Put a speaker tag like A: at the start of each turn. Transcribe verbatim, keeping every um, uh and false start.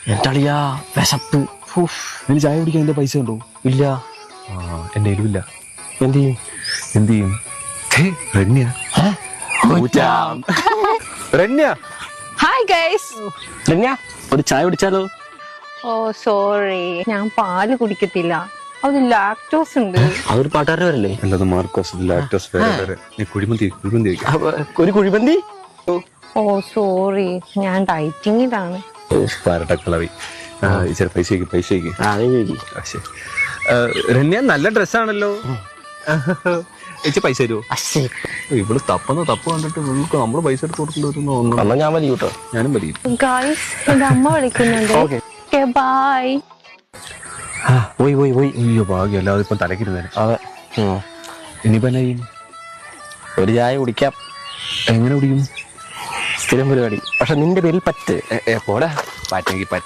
A: എന്റെ അളിയാ വിശപ്പ്.
B: എനിക്ക് ചായ കുടിക്കാൻ എന്റെ പൈസ ഉണ്ടോ?
A: ഇല്ല.
B: ആ എന്റെ എരിവില്ല.
A: എന്ത് ചെയ്യും?
B: എന്ത് ചെയ്യും? Ranya Ranya
C: hi guys.
A: രമ്യ, ഒരു ചായ കുടിച്ചാലോ?
C: ഓ സോറി, ഞാൻ പാല് കുടിക്കത്തില്ല, അത് ലാക്ടോസ് ഉണ്ട്.
A: അതൊരു പാട്ടുകാരൻ വരല്ലേ?
B: അല്ലാതെ മാർക്കോസ് ലാക്ടോസ് വേറെ വേറെ. നീ കുഴിമന്തി കുഴിമന്തി കഴിക്കാം.
A: അപ്പൊ ഒരു കുഴിമന്തി.
C: ഓ സോറി, ഞാൻ ഡയറ്റിങ്ങിലാണ്.
B: പാരട്ടക്കളവി. ഇച്ചിരി പൈസ പൈസ
A: ആ നീ ചോദിക്കും.
B: രന്യ നല്ല ഡ്രസ്സാണല്ലോ. ചേച്ചി പൈസ തരുമോ? ഇവള് തപ്പുന്ന തപ്പ് കണ്ടിട്ട് ഇവൾക്ക് നമ്മള് പൈസ എടുത്ത് കൊടുക്കേണ്ടി
A: എന്നാ ഞാൻ വലിയ കേട്ടോ.
B: ഞാനും വരും.
C: ഗൈസ്, എന്റെ അമ്മ വിളിക്കുന്നുണ്ട്.
A: Okay
C: bye.
B: പോയി പോയി പോയി. അയ്യോ ഭാഗ്യം, അല്ലാതെ ഇപ്പം തലക്കിരുന്നേ.
A: അതെ.
B: ഇനിയിപ്പോ എന്നാ ചെയ്യും?
A: ഒരു ചായ കുടിക്കാം.
B: എങ്ങനെ കുടിക്കും?
A: സ്ഥിരം പരിപാടി. പക്ഷെ നിന്റെ പേരിൽ പറ്റ്.
B: പോടാ, പറ്റെങ്കിൽ പറ്റ.